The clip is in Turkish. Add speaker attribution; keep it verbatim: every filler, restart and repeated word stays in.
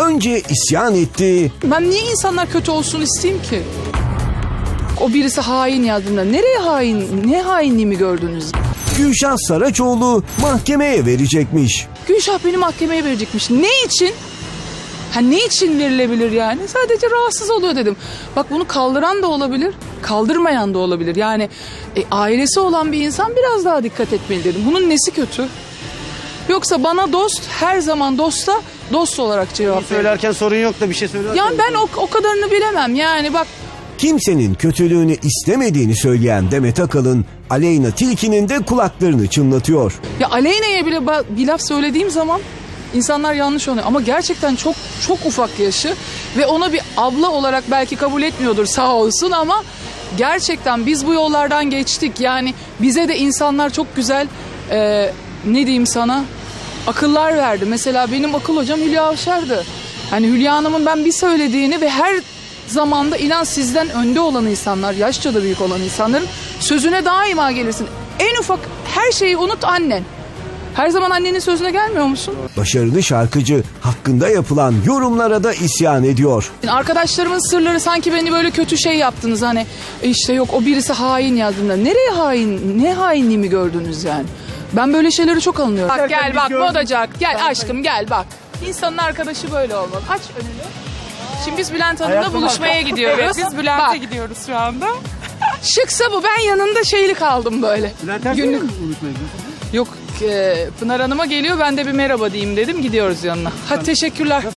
Speaker 1: Önce isyan etti.
Speaker 2: Ben niye insanlar kötü olsun isteyeyim ki? O birisi hain yazdığında nereye hain, ne hainliğimi gördünüz?
Speaker 1: Gülşah Saraçoğlu mahkemeye verecekmiş.
Speaker 2: Gülşah beni mahkemeye verecekmiş. Ne için? Ha ne için verilebilir yani? Sadece rahatsız oluyor dedim. Bak bunu kaldıran da olabilir, kaldırmayan da olabilir. Yani e, ailesi olan bir insan biraz daha dikkat etmeli dedim. Bunun nesi kötü? Yoksa bana dost her zaman dosta dost olarak cevap verir.
Speaker 3: Söylerken sorun yok da bir şey söylerken...
Speaker 2: Yani ben o, o kadarını bilemem. Yani bak
Speaker 1: Kimsenin kötülüğünü istemediğini söyleyen Demet Akalın, Aleyna Tilki'nin de kulaklarını çınlatıyor.
Speaker 2: ya Aleyna'ya bile ba- bir laf söylediğim zaman insanlar yanlış oluyor. Ama gerçekten çok çok ufak yaşı ve ona bir abla olarak belki kabul etmiyordur sağ olsun ama gerçekten biz bu yollardan geçtik. Yani bize de insanlar çok güzel e, ne diyeyim sana akıllar verdi. Mesela benim akıl hocam Hülya Avşar'dı. Hani Hülya Hanım'ın ben bir söylediğini ve her zamanda inan sizden önde olan insanlar, yaşça da büyük olan insanların sözüne daima gelirsin. En ufak her şeyi unut annen. Her zaman annenin sözüne gelmiyor musun?
Speaker 1: Başarılı şarkıcı hakkında yapılan yorumlara da isyan ediyor.
Speaker 2: Arkadaşlarımın sırları sanki beni böyle kötü şey yaptınız hani işte yok o birisi hain yazdığında. Nereye hain, ne hainliğimi gördünüz yani? Ben böyle şeyleri çok alınıyorum. Bak gel bak modacak gel aşkım gel bak. İnsanın arkadaşı böyle olmalı. Aç önünü. Şimdi biz Bülent Hanım'la buluşmaya gidiyoruz.
Speaker 4: Evet, biz Bülent'e
Speaker 2: Bak,
Speaker 4: gidiyoruz şu anda.
Speaker 2: şıksa bu ben yanında şeyli kaldım böyle.
Speaker 3: Bülent Ersoy'la
Speaker 2: Günlük-
Speaker 3: mı unutmayın?
Speaker 2: Yok e, Pınar Hanım'a geliyor ben de bir merhaba diyeyim dedim gidiyoruz yanına. Hadi teşekkürler.